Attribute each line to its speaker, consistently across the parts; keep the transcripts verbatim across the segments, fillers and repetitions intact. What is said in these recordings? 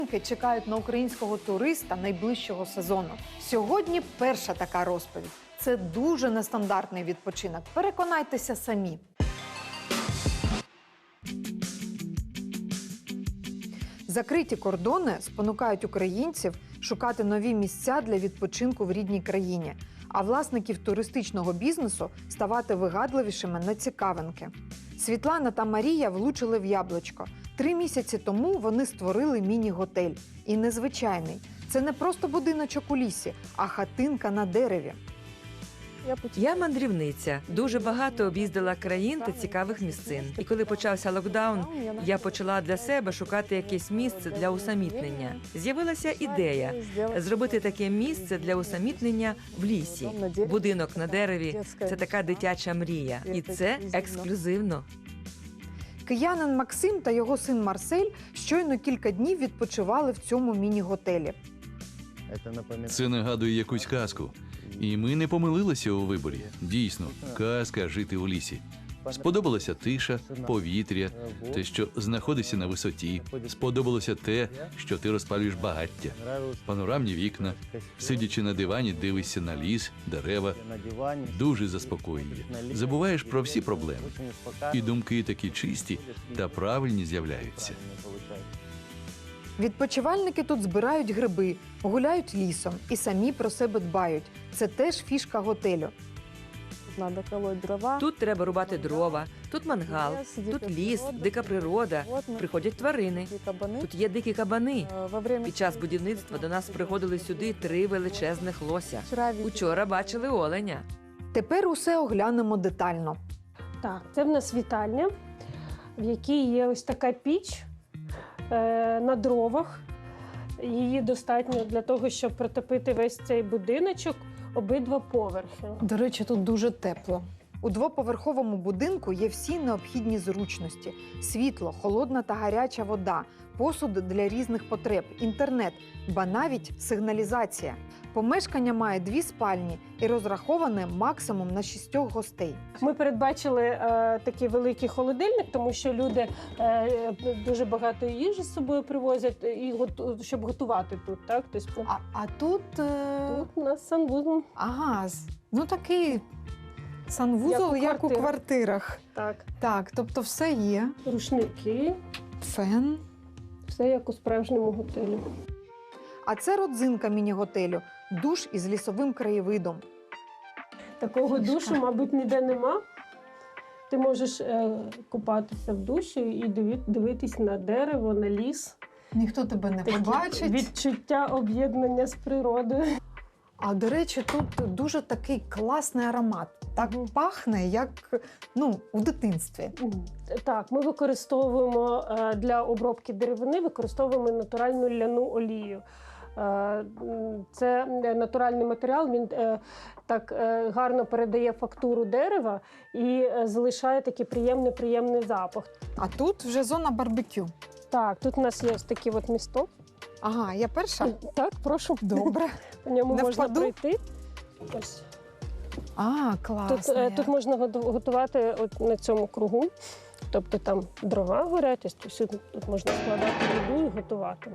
Speaker 1: Чекають на українського туриста найближчого сезону. Сьогодні перша така розповідь. Це дуже нестандартний відпочинок. Переконайтеся самі. Закриті кордони спонукають українців шукати нові місця для відпочинку в рідній країні, а власників туристичного бізнесу ставати вигадливішими на цікавинки. Світлана та Марія влучили в яблучко. Три місяці тому вони створили міні-готель. І незвичайний. Це не просто будиночок у лісі, а хатинка на дереві.
Speaker 2: Я мандрівниця. Дуже багато об'їздила країн та цікавих місцин. І коли почався локдаун, я почала для себе шукати якесь місце для усамітнення. З'явилася ідея зробити таке місце для усамітнення в лісі. Будинок на дереві – це така дитяча мрія. І це ексклюзивно.
Speaker 1: Киянин Максим та його син Марсель щойно кілька днів відпочивали в цьому міні-готелі.
Speaker 3: Це нагадує якусь казку. І ми не помилилися у виборі. Дійсно, казка жити у лісі. Сподобалася тиша, повітря, те, що знаходишся на висоті. Сподобалося те, що ти розпалюєш багаття. Панорамні вікна, сидячи на дивані, дивишся на ліс, дерева. Дуже заспокоює. Забуваєш про всі проблеми. І думки такі чисті та правильні з'являються.
Speaker 1: Відпочивальники тут збирають гриби, гуляють лісом і самі про себе дбають. Це теж фішка готелю.
Speaker 2: Тут треба рубати дрова, тут мангал, тут ліс, дика природа, приходять тварини. Тут є дикі кабани. Під час будівництва до нас приходили сюди три величезних лося. Учора бачили оленя.
Speaker 1: Тепер усе оглянемо детально.
Speaker 4: Так, це в нас вітальня, в якій є ось така піч е, на дровах. Її достатньо для того, щоб протопити весь цей будиночок, обидва поверхи.
Speaker 1: До речі, тут дуже тепло. У двоповерховому будинку є всі необхідні зручності: світло, холодна та гаряча вода, посуд для різних потреб, інтернет, ба навіть сигналізація. Помешкання має дві спальні і розраховане максимум на шістьох гостей.
Speaker 4: Ми передбачили е, такий великий холодильник, тому що люди е, дуже багато їжі з собою привозять, і готу, щоб готувати тут. Так? Тобто,
Speaker 1: А, а тут... Е...
Speaker 4: тут у нас санвузол.
Speaker 1: Ага, з- ну такий санвузол,
Speaker 4: Як у
Speaker 1: як у
Speaker 4: квартирах.
Speaker 1: квартирах.
Speaker 4: Так.
Speaker 1: Так, тобто все є.
Speaker 4: Рушники,
Speaker 1: Фен.
Speaker 4: все як у справжньому готелі.
Speaker 1: А це родзинка міні-готелю – душ із лісовим краєвидом.
Speaker 4: Такого
Speaker 1: Фішка.
Speaker 4: душу, мабуть, ніде нема. Ти можеш е, купатися в душі і диві- дивитись на дерево, на ліс.
Speaker 1: Ніхто тебе не
Speaker 4: Такі
Speaker 1: побачить.
Speaker 4: відчуття об'єднання з природою.
Speaker 1: А, до речі, тут дуже такий класний аромат. Так пахне, як ну, у дитинстві.
Speaker 4: Так, ми використовуємо е, для обробки деревини, використовуємо натуральну ляну олію. Е, м, Це натуральний матеріал, він е, так е, гарно передає фактуру дерева і е, залишає такий приємний-приємний запах.
Speaker 1: А тут вже зона барбекю.
Speaker 4: Так, тут у нас є ось такий от місток.
Speaker 1: Ага, я перша?
Speaker 4: Так, прошу.
Speaker 1: Добре.
Speaker 4: По ньому
Speaker 1: Не
Speaker 4: можна
Speaker 1: впаду?
Speaker 4: пройти. Ось.
Speaker 1: А,
Speaker 4: Тут,
Speaker 1: класно.
Speaker 4: е, тут можна готу- готувати от на цьому кругу. Тобто там дрова горять, ось тут, тут можна складати їду і готувати.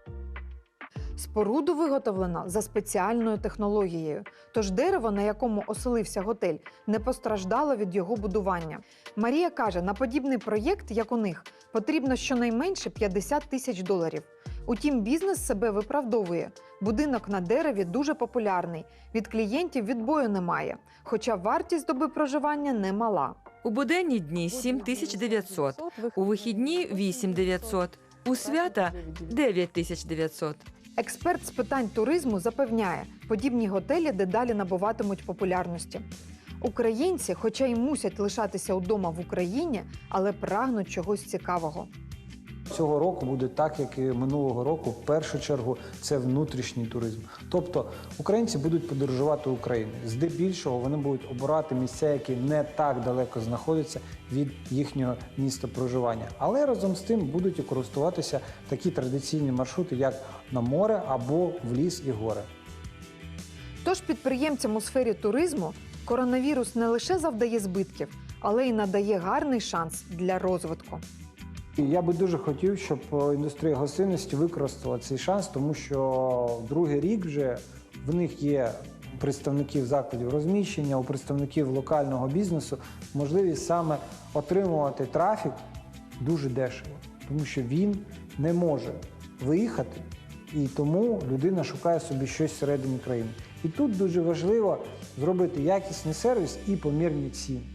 Speaker 1: Споруду виготовлено за спеціальною технологією, тож дерево, на якому оселився готель, не постраждало від його будування. Марія каже, на подібний проєкт, як у них, потрібно щонайменше п'ятдесят тисяч доларів. Утім, бізнес себе виправдовує. Будинок на дереві дуже популярний, від клієнтів відбою немає, хоча вартість доби проживання немала.
Speaker 2: У буденні дні сім тисяч дев'ятсот, у вихідні – вісім тисяч дев'ятсот, у свята – дев'ять тисяч дев'ятсот.
Speaker 1: Експерт з питань туризму запевняє, подібні готелі дедалі набуватимуть популярності. Українці, хоча й мусять лишатися вдома в Україні, але прагнуть чогось цікавого.
Speaker 5: Цього року буде так, як і минулого року. В першу чергу це внутрішній туризм. Тобто українці будуть подорожувати Україною. Здебільшого вони будуть обирати місця, які не так далеко знаходяться від їхнього міста проживання. Але разом з тим будуть і користуватися такі традиційні маршрути, як на море або в ліс і гори.
Speaker 1: Тож підприємцям у сфері туризму коронавірус не лише завдає збитків, але й надає гарний шанс для розвитку.
Speaker 5: І я би дуже хотів, щоб індустрія гостинності використала цей шанс, тому що другий рік вже в них є представників закладів розміщення, у представників локального бізнесу можливість саме отримувати трафік дуже дешево, тому що він не може виїхати, і тому людина шукає собі щось всередині країни. І тут дуже важливо зробити якісний сервіс і помірні ціни.